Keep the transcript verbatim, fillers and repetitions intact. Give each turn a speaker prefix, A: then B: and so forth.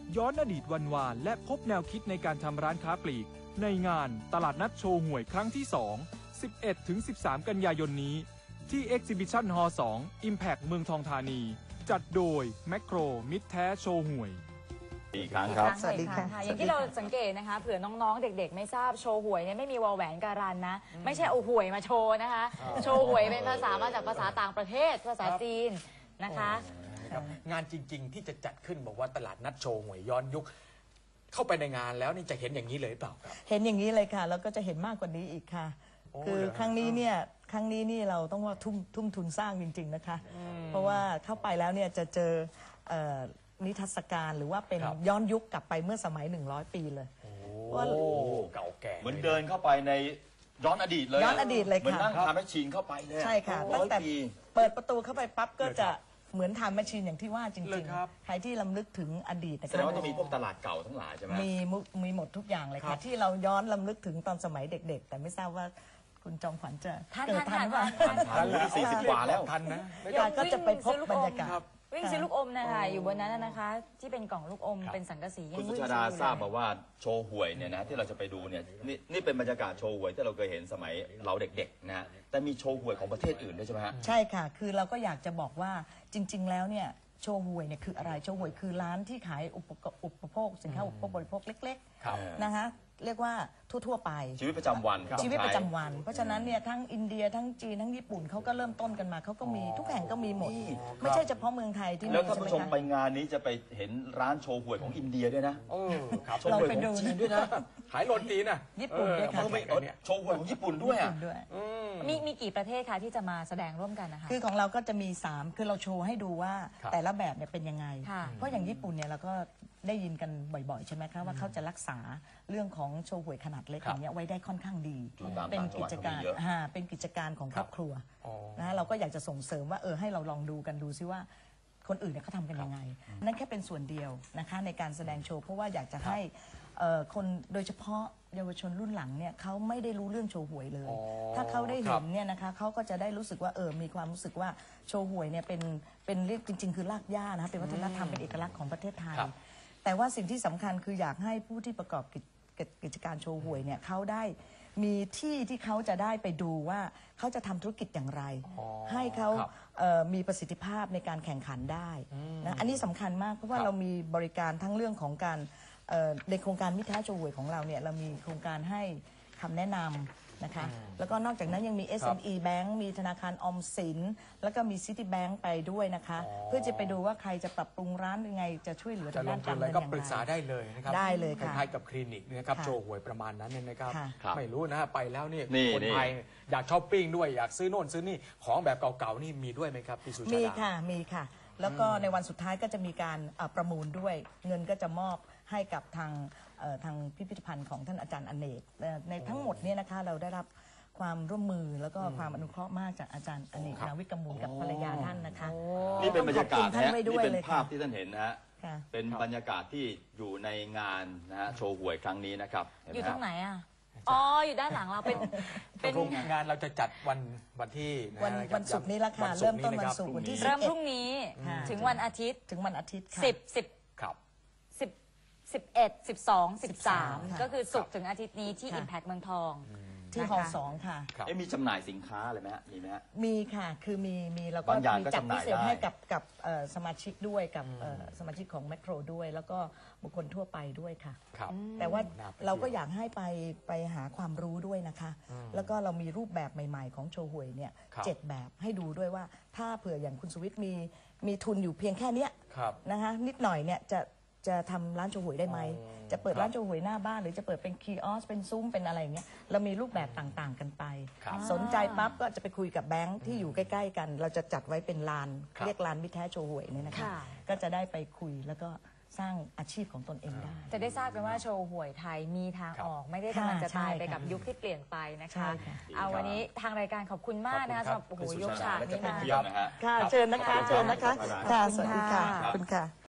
A: ย้อนอดีตวันวานและพบแนวคิดในการทำร้านค้าปลีกในงานตลาดนัดโชว์หวยครั้งที่ สอง สิบเอ็ดถึงสิบสาม กันยายนนี้ที่ Exhibition Hall สอง Impact เมืองทองธานีจัดโดยแมคโครมิตรแท้โชว์หวย
B: อีกครั้งครับ
C: สวัสดีค่ะอย่างที่เราสังเกตนะคะเผื่อน้องๆเด็กๆไม่ทราบโชว์หวยเนี่ยไม่มีวอลแหวนการันนะไม่ใช่เอาหวยมาโชว์นะคะโชว์หวยเป็นภาษามาจากภาษาต่างประเทศภาษาจีนนะคะ
D: งานจริงๆที่จะจัดขึ้นบอกว่าตลาดนัดโชว์หวยย้อนยุคเข้าไปในงานแล้วนี่จะเห็นอย่างนี้เลยเปล่าครับ
E: เห็นอย่างนี้เลยค่ะแล้วก็จะเห็นมากกว่านี้อีกค่ะคือครั้งนี้เนี่ยครั้งนี้นี่เราต้องว่าทุ่มทุ่มทุนสร้างจริงๆนะคะเพราะว่าเข้าไปแล้วเนี่ยจะเจอนิทรรศการหรือว่าเป็นย้อนยุคกลับไปเมื่อสมัยหนึ่งร้อยปีเลย
D: ว่าเก่าแก่
B: เหมือนเดินเข้าไปในย้อนอดีตเลย
E: ย้อนอดีตเลยค่ะ
B: เหมือนนั่งทำแมชชีนเข้าไปเลย
E: ใช่ค่ะตั้งแต่เปิดประตูเข้าไปปั๊บก็จะเหมือนทำแมชชีนอย่างที่ว่าจริงๆใครที่ลำลึกถึงอดีต
B: แสดงว่าต้องมีพวกตลาดเก่าทั้งหลายใช่ไหม
E: มีมีหมดทุกอย่างเลยค่ะที่เราย้อนลำลึกถึงตอนสมัยเด็กๆแต่ไม่ทราบว่าคุณจอมขวัญจะเกิดทันว่า
B: ทันสี่สิบกว่าแล้ว
D: ทันนะ
E: ก็จะไปพบบรรยากาศ
C: วิ่งซื้อลูกอมนะคะอยู่บนนั้นนะคะที่เป็นกล่องลูกอมเป็นสังกะสี
B: คุณสุชาดาทราบมาว่าโชว์หวยเนี่ยนะที่เราจะไปดูเนี่ยนี่นี่เป็นบรรยากาศโชว์หวยที่เราเคยเห็นสมัยเราเด็กๆนะแต่มีโชว์หวยของประเทศอื่นด้วยใช่ไหมฮะ
E: ใช่ค่ะคือเราก็อยากจะบอกว่าจริงๆแล้วเนี่ยโชว์หวยเนี่ยคืออะไรโชว์หวยคือร้านที่ขายอุปโภคสินค้าอุปโภคบริโภคเล็กๆนะคะเรียกว่าทั่วๆไป
B: ชีวิตประจำวัน
E: ชีวิตประจำวันเพราะฉะนั้นเนี่ยทั้งอินเดียทั้งจีนทั้งญี่ปุ่นเขาก็เริ่มต้นกันมาเขาก็มีทุกแห่งก็มีหมดไม่ใช่เฉพาะเมืองไทยที่มี
B: แล้วท่านผู้ชมไปงานนี้จะไปเห็นร้านโชว์หวยของอินเดียด้วยนะ
E: เราไปดู
B: ด้วยนะ
D: ขายโรตีนะ
E: ญี่ปุ่นด้วยค่ะ
B: โชว์หวยของญี่ปุ่นด้วย
C: มีมีกี่ประเทศคะที่จะมาแสดงร่วมกันนะคะ
E: คือของเราก็จะมีสามคือเราโชว์ให้ดูว่าแต่ละแบบเนี่ยเป็นยังไงเพราะอย่างญี่ปุ่นเนี่ยเราก็ได้ยินกันบ่อยๆใช่ไหมคะว่าเขาจะรักษาเรื่องของโชว์หวยขนาดเล็กอย่างเงี้ยไว้ได้ค่อนข้างดีเป็นกิจการเป็นกิจการของครอบครัวนะเราก็อยากจะส่งเสริมว่าเออให้เราลองดูกันดูซิว่าคนอื่นเนี่ยเขาทำกันยังไงนั่นแค่เป็นส่วนเดียวนะคะในการแสดงโชว์เพราะว่าอยากจะให้คนโดยเฉพาะเยาวชนรุ่นหลังเนี่ยเขาไม่ได้รู้เรื่องโชว์หวยเลยถ้าเขาได้เห็นเนี่ยนะคะเขาก็จะได้รู้สึกว่าเออมีความรู้สึกว่าโชว์หวยเนี่ยเป็นเป็นเรียกจริงๆคือรากหญ้านะเป็นวัฒนธรรมเป็นเอกลักษณ์ของประเทศไทยแต่ว่าสิ่งที่สำคัญคืออยากให้ผู้ที่ประกอบกิจการโชว์หวยเนี่ยเขาได้มีที่ที่เขาจะได้ไปดูว่าเขาจะทำธุรกิจอย่างไรให้เขามีประสิทธิภาพในการแข่งขันได้นะอันนี้สำคัญมากเพราะว่าเรามีบริการทั้งเรื่องของการในโครงการมิตรแท้โชว์หวยของเราเนี่ยเรามีโครงการให้คำแนะนำนะคะแล้วก็นอกจากนั้นยังมี เอส เอ็ม อี Bank มีธนาคารออมสินแล้วก็มี City Bank ไปด้วยนะคะเพื่อจะไปดูว่าใครจะปรับปรุงร้านยังไงจะช่วยเหลือ
D: ด้านการเงินอย่างไรก็ปรึกษาได้เลยนะครับ
E: ได้เลยค่ะ
D: คล้ายกับคลินิกนะครับโชว์หวยประมาณนั้นเนี่ยนะครับไม่รู้นะไปแล้วนี่คนไทยอยากช้อปปิ้งด้วยอยากซื้อโน่นซื้อนี่ของแบบเก่าๆนี่มีด้วยไหมครับพี่สุชาดา
E: มีค่ะมีค่ะแล้วก็ในวันสุดท้ายก็จะมีการประมูลด้วยเงินก็จะมอบให้กับทางทางพิพิธภัณฑ์ของท่านอาจารย์อเนกในทั้งหมดเนี่ยนะคะเราได้รับความร่วมมือแล้วก็ความอนุเคราะห์มากจากอาจารย์อเนกนาวิกมูลกับภรรยาท่านนะคะ
B: นี่เป็นบรรยากาศนะนี่เป็นภาพที่ท่านเห็นนะฮะเป็นบรรยากาศที่อยู่ในงานนะฮะโชว์หวยครั้งนี้นะครับ
C: อยู่ตรงไหนอ่ะอ๋ออยู่ด้านหลังเราเป็น
D: เป็นงานเราจะจัดวันวันที่
E: วันวันศุกร์นี้ละค่ะเริ่มต้นวันศุกร์วันที่
C: เริ่มพรุ่งนี้ถึงวันอาทิตย์
E: ถึงวันอาทิตย์
C: สิบสิบครับสิบสิบเอ็ดสิบสองสิบสามก็คือศุกร์ถึงอาทิตย์นี้ที่ Impact เมืองทอง
E: ที่ฮอลล์สองค่ะ
B: มีจำหน่ายสินค้าอะไรไหมฮะมีไหมฮะ
E: มีค่ะคือมีมีแล้วก็มีจัดพิเศษให้กับกับสมาชิกด้วยกับสมาชิกของแมคโครด้วยแล้วก็บุคคลทั่วไปด้วยค่ะแต่ว่าเราก็อยากให้ไปไปหาความรู้ด้วยนะคะแล้วก็เรามีรูปแบบใหม่ๆของโชว์หวยเนี่ยเจ็ดแบบให้ดูด้วยว่าถ้าเผื่ออย่างคุณสุวิทย์มีมีทุนอยู่เพียงแค่นี้นะคะนิดหน่อยเนี่ยจะจะทำร้านโชว์หวยได้ไหมจะเปิดร้านโชว์หวยหน้าบ้านหรือจะเปิดเป็นคีออสเป็นซุ้มเป็นอะไรอย่างเงี้ยเรามีรูปแบบต่างๆกันไปสนใจปั๊บก็จะไปคุยกับแบงค์ที่อยู่ใกล้ๆกันเราจะจัดไว้เป็นลานเรียกลานมิตรแท้โชว์หวยเนี่ยนะคะก็จะได้ไปคุยแล้วก็สร้างอาชีพของตนเองได้
C: จะได้ทราบกันว่าโชว์หวยไทยมีทางออกไม่ได้กำลังจะตายไปกับยุคที่เปลี่ยนไปนะคะเอาวันนี้ทางรายการขอบคุณมากนะคะสำหรับโอ้โหยกฉากนี้มา
E: ค่ะเชิญนะคะเชิญนะคะค่ะสวัสดีค่ะขอบคุณค่ะ